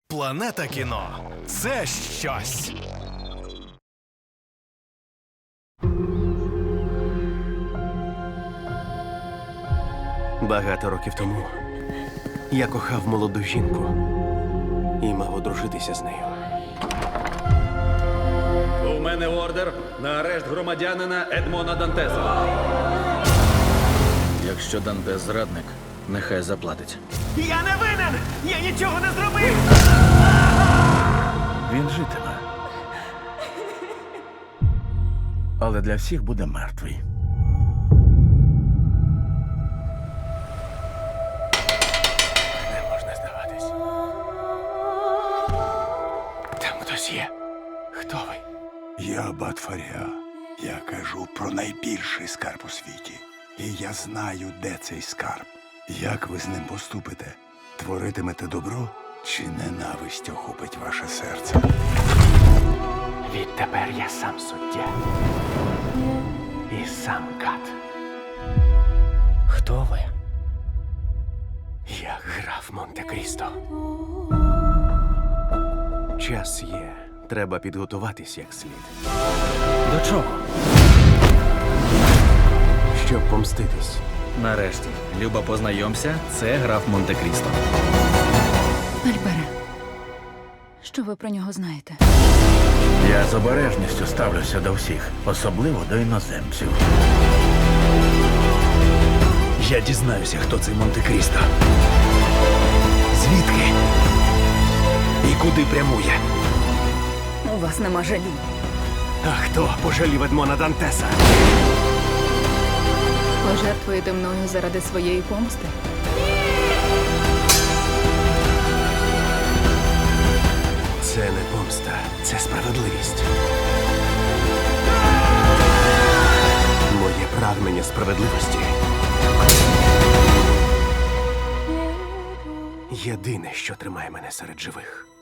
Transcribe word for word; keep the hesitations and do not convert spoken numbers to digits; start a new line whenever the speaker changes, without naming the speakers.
Планета кіно – це щось.
Багато років тому я кохав молоду жінку і мав одружитися з нею.
У мене ордер на арешт громадянина Едмона Дантеса. Якщо Дантес зрадник, нехай заплатить.
Я не винен! Я нічого не зробив!
Він житиме. Але для всіх буде мертвий.
Не можна здаватись. Там хтось є. Хто ви?
Я Батфаря. Я кажу про найбільший скарб у світі. І я знаю, де цей скарб. Як ви з ним поступите? Творитимете добро чи ненависть охопить ваше серце?
Відтепер я сам суддя. І сам кат.
Хто ви?
Я граф Монте-Крісто. Час є. Треба підготуватись як слід.
До чого?
Щоб помститись.
Нарешті, Люба, познайомся, це граф Монте-Крісто.
Альбере, що ви про нього знаєте?
Я з обережністю ставлюся до всіх, особливо до іноземців.
Я дізнаюся, хто цей Монте-Крісто. Звідки? І куди прямує?
У вас нема жалі.
А хто пожалів Едмона Дантеса?
Пожертвуєте мною заради своєї помсти?
Це не помста, це справедливість. Моє прагнення справедливості єдине, що тримає мене серед живих.